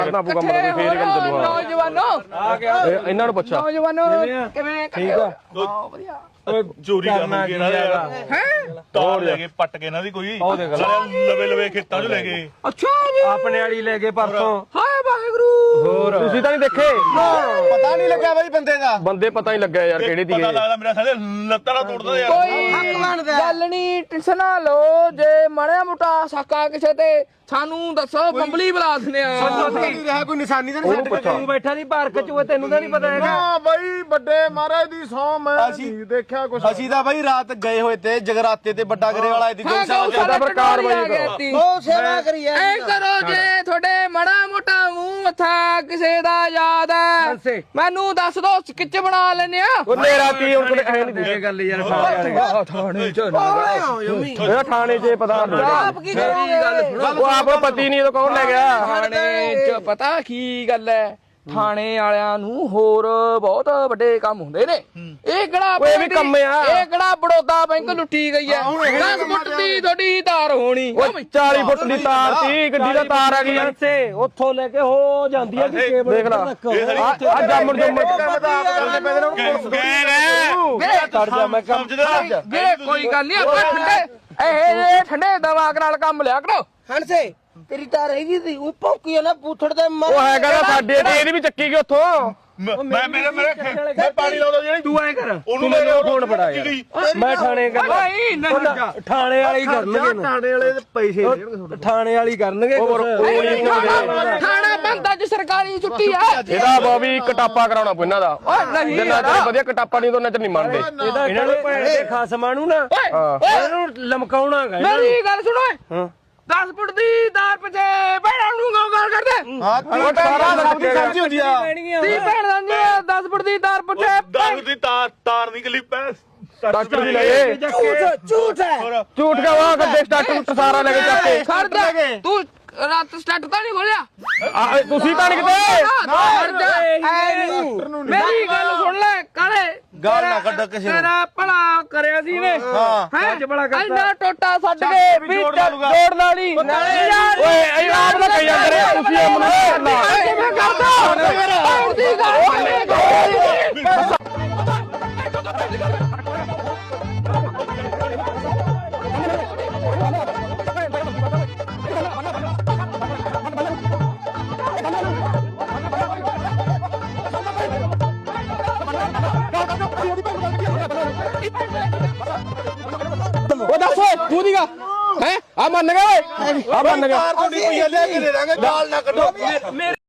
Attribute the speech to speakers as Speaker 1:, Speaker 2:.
Speaker 1: ਕਰਨਾ ਪਊਗਾ ਮਤਲਬ ਫੇਰ ਕੰਮ ਚੱਲੂਗਾ।
Speaker 2: ਨੌਜਵਾਨੋ
Speaker 3: ਆ ਗਿਆ
Speaker 1: ਇਹਨਾਂ ਨੂੰ ਪੁੱਛਾ
Speaker 2: ਨੌਜਵਾਨੋ ਕਿਵੇਂ
Speaker 3: ਠੀਕ ਆ
Speaker 2: ਹਾਂ ਵਧੀਆ
Speaker 4: ਚੋਰੀ ਕਰਨਗੇ ਇਹਨਾਂ ਦੇ ਯਾਰ
Speaker 2: ਹੈ
Speaker 4: ਤਾਰ ਲੈ ਕੇ ਪੱਟ ਕੇ ਇਹਨਾਂ ਦੀ ਕੋਈ ਲਵੇ ਲਵੇ ਖੇਤਾਂ 'ਚ ਲੈ ਗਏ।
Speaker 2: ਅੱਛਾ ਜੀ
Speaker 3: ਆਪਣੇ ਵਾਲੀ ਲੈ ਗਏ ਪਰਸੋਂ
Speaker 2: ਹਾਏ ਵਾਹਿਗੁਰੂ
Speaker 3: ਹੋਰ
Speaker 1: ਤੁਸੀਂ ਤਾਂ ਨਹੀਂ ਦੇਖੇ
Speaker 5: ਪਤਾ ਨਹੀਂ ਲੱਗਿਆ ਬਾਈ ਬੰਦੇ ਦਾ।
Speaker 1: ਬੰਦੇ ਪਤਾ ਨਹੀਂ ਲੱਗਿਆ ਯਾਰ ਕਿਹੜੇ ਦੀ
Speaker 4: ਪਤਾ ਲੱਗਦਾ ਮੇਰਾ ਸਾਡੇ ਲੱਤਾਂ ਨਾਲ ਤੋੜਦਾ ਯਾਰ।
Speaker 2: ਕੋਈ ਗੱਲ ਨਹੀਂ ਟੈਨਸ਼ਨ ਨਾ ਲਓ ਜੇ ਮਾੜਾ ਮੋਟਾ ਸਾਕਾ ਕਿਸੇ ਤੇ ਸਾਨੂੰ ਦੱਸੋ ਬੰਬਲੀ ਬੁਲਾ ਦਿੰਦੇ ਆ
Speaker 5: ਨਹੀਂ ਰਿਹਾ ਕੋਈ ਨਿਸ਼ਾਨੀ ਤਾਂ
Speaker 1: ਉਹਨੂੰ ਪੁੱਛਾ
Speaker 3: ਤੂੰ ਬੈਠਾ ਨਹੀਂ ਪਾਰਕ ਚ ਉਹ ਤੈਨੂੰ ਤਾਂ ਨਹੀਂ ਪਤਾ ਹੈਗਾ
Speaker 5: ਨਾ ਬਾਈ ਵੱਡੇ ਮਹਾਰਾਜ ਦੀ ਸੌ ਮੈਂ ਨਹੀਂ ਦੇਖਿਆ ਕੁਛ। ਅਸੀਂ ਤਾਂ ਬਾਈ ਰਾਤ ਗਏ ਹੋਏ ਤੇ ਜਗਰਾਤੇ ਤੇ ਵੱਡਾ ਗਰੇ ਵਾਲਾ ਦੀ
Speaker 1: ਸਾਡਾ ਪਰ ਕਾਰਵਾਈ ਕਰੋ।
Speaker 5: ਉਹ ਸੇਵਾ ਕਰੀ
Speaker 2: ਐ ਕਰੋ ਜੇ ਤੁਹਾਡੇ ਮਾੜਾ ਮੋਟਾ ਮੂੰਹ ਮੱਥਾ ਕਿਸੇ ਦਾ ਯਾਦ ਹੈ ਮੈਨੂੰ ਦੱਸ ਦੋ ਸਕਿੱਚ ਬਣਾ ਲੈਨੇ ਆ
Speaker 1: ਉਹ ਨੇਰਾ ਤੀ ਹੁਣ ਕੋਲੇ ਐ ਨਹੀਂ
Speaker 3: ਇਹ ਗੱਲ ਯਾਰ ਥਾਣੇ ਵਾਲੇ
Speaker 2: ਥਾਣੇ ਚ
Speaker 1: ਇਹਦਾ ਥਾਣੇ 'ਚ ਪਤਾ
Speaker 2: ਆਪ ਕੀ ਕਰੋਗੇ
Speaker 1: ਉਹ ਆਪ ਪਤੀ ਨਹੀਂ ਇਹ ਕੌਣ ਲੈ ਗਿਆ
Speaker 2: ਥਾਣੇ ਚ ਪਤਾ ਕੀ ਗੱਲ ਹੈ ਥਾਣੇ ਵਾਲਿਆਂ ਨੂੰ ਹੋਰ ਬਹੁਤ ਵੱਡੇ ਕੰਮ ਹੁੰਦੇ ਨੇ ਇਹ ਕਿਹੜਾ
Speaker 1: ਓਏ ਇਹ ਵੀ ਕੰਮ ਆ।
Speaker 2: ਇਹ ਕਿਹੜਾ ਬੜੌਦਾ ਬੈਂਕ ਲੁੱਟੀ ਗਈ ਹੈ 10 ਫੁੱਟ ਦੀ ਤੁਹਾਡੀ ਤਾਰ ਹੋਣੀ
Speaker 1: ਉਹ 40 ਫੁੱਟ ਦੀ ਤਾਰ ਤੀ ਗੱਡੀ ਦਾ ਤਾਰ ਆ ਗਈ ਆ।
Speaker 3: ਸੇ ਉੱਥੋਂ ਲੈ ਕੇ ਹੋ ਜਾਂਦੀ ਹੈ ਕਿ ਕੇਬਲ
Speaker 1: ਦੇਖ ਲਾ ਆ ਜਾਮਣ ਜੁਮਣ
Speaker 3: ਕਰ ਜਾ ਮੈਂ ਕੰਮ
Speaker 2: ਜੇ ਕੋਈ ਗੱਲ ਨਹੀਂ ਆਪਾਂ ਠੰਡੇ ਠੰਡੇ ਦਿਮਾਗ ਨਾਲ ਕੰਮ ਲਿਆ ਕਰੋ
Speaker 5: ਹਣਸੇ ਤੇਰੀ ਤਾਂ ਰਹੀ ਸੀ ਉਹ ਭੌਂਕੀ ਨਾ ਬੂਥੜ ਤੇ
Speaker 1: ਉਹ ਹੈਗਾ ਨਾ ਸਾਡੇ ਤੇ ਇਹਦੀ ਵੀ ਚੱਕੀ ਗਈ ਉੱਥੋਂ
Speaker 4: ਮੈਂ ਮੇਰੇ ਪਾਣੀ ਲਾਉਂਦਾ ਜਿਹੜੀ
Speaker 3: ਤੂੰ ਐ ਕਰ
Speaker 4: ਉਹਨੂੰ
Speaker 3: ਮੈਨੂੰ ਫੋਨ ਫੜਾ ਯਾਰ ਮੈਂ ਥਾਣੇ ਕਰ
Speaker 2: ਭਾਈ ਨਹੀਂ
Speaker 3: ਥਾਣੇ ਵਾਲੀ ਕਰਨਗੇ
Speaker 5: ਥਾਣੇ ਵਾਲੇ ਦੇ ਪੈਸੇ
Speaker 3: ਥਾਣੇ ਵਾਲੀ ਕਰਨਗੇ
Speaker 2: ਥਾਣਾ ਬੰਦ ਅੱਜ ਸਰਕਾਰੀ ਛੁੱਟੀ ਆ
Speaker 1: ਇਹਦਾ ਬਾਬੀ ਕਟਾਪਾ ਕਰਾਉਣਾ ਪਊ ਇਹਨਾਂ ਦਾ
Speaker 2: ਨਹੀਂ
Speaker 1: ਜਿੰਨਾ ਚਿਰ ਵਧੀਆ ਕਟਾਪਾ ਨਹੀਂ ਉਹਨਾਂ ਚ ਨਹੀਂ ਮੰਨਦੇ
Speaker 3: ਇਹਨਾਂ ਨੂੰ ਭੈਣ ਦੇ ਖਸਮਾਂ ਨੂੰ ਨਾ ਇਹਨਾਂ ਨੂੰ ਲਮਕਾਉਣਾ ਹੈਗਾ ਇਹਨਾਂ ਨੂੰ।
Speaker 2: ਮੇਰੀ ਗੱਲ ਸੁਣੋ 10 ਫੁੱਟ ਦੀ ਤਾਰ ਪਿੱਛੇ ਭੈਣਾਂ ਨੂੰ ਗੱਲ ਕਰਦੇ
Speaker 5: ਹਾਂ ਤੂੰ ਤਾਂ ਸਭ ਦੀ ਸਮਝੀ ਹੁੰਦੀ ਆ
Speaker 2: ਤੀ ਭੈਣ ਦਾ 10 ਫੁੱਟ ਦੀ ਤਾਰ ਪਿੱਛੇ
Speaker 4: ਦਾਰੂ ਦੀ ਤਾਰ ਨਿਕਲੀ ਪੈ
Speaker 1: ਡਾਕਟਰ ਵੀ ਲੈ ਗਏ
Speaker 5: ਝੂਠ ਹੈ
Speaker 1: ਝੂਠ ਕਾ ਵਾਹ ਗੱਡੇ ਸਟਾਰਟ ਸਾਰਾ ਲੈ ਕੇ ਚੱਕ ਕੇ
Speaker 2: ਖੜ ਜਾ ਤੂੰ ਰਾਤ ਸਟਾਰਟ ਤਾਂ ਨਹੀਂ ਖੋਲਿਆ
Speaker 1: ਤੁਸੀਂ ਤਾਂ ਨਹੀਂ ਕਿਤੇ
Speaker 2: ਖੜ ਜਾ ਮੇਰੀ ਗੱਲ ਸੁਣ ਲੈ ਕਾਲੇ
Speaker 5: ਗੱਲ ਨਾ ਕੱਢ ਕਿਸੇ ਨੂੰ।
Speaker 2: ਤੇਰਾ ਭਲਾ ਕਰਿਆ ਸੀ ਨੇ ਹੈ
Speaker 3: ਅੱਜ ਬੜਾ ਕਰਤਾ।
Speaker 2: ਇੰਨਾ ਟੋਟਾ ਛੱਡ ਕੇ ਵੀ ਜੋੜ ਵਾਲੀ
Speaker 1: ਓਏ ਇਹ ਆਪ ਦਾ ਕਈ ਜਾਂਦੇ ਰਹੇ ਤੁਸੀਂ ਇਹ ਮਨੂੰ
Speaker 2: ਮੈਂ ਕਰਦਾ ਦੀ ਗੱਲ
Speaker 1: ਉਹ ਦੱਸ ਤੂੰ ਦੀਗਾ ਹੈ ਆ ਮੰਨ ਗਿਆ ਓਏ ਆ ਮੰਨ ਗਿਆ
Speaker 5: ਕੋਈ ਲੈ ਕੇ ਦੇ ਦਾਂਗੇ ਗਾਲ ਨਾ ਕੱਢੋ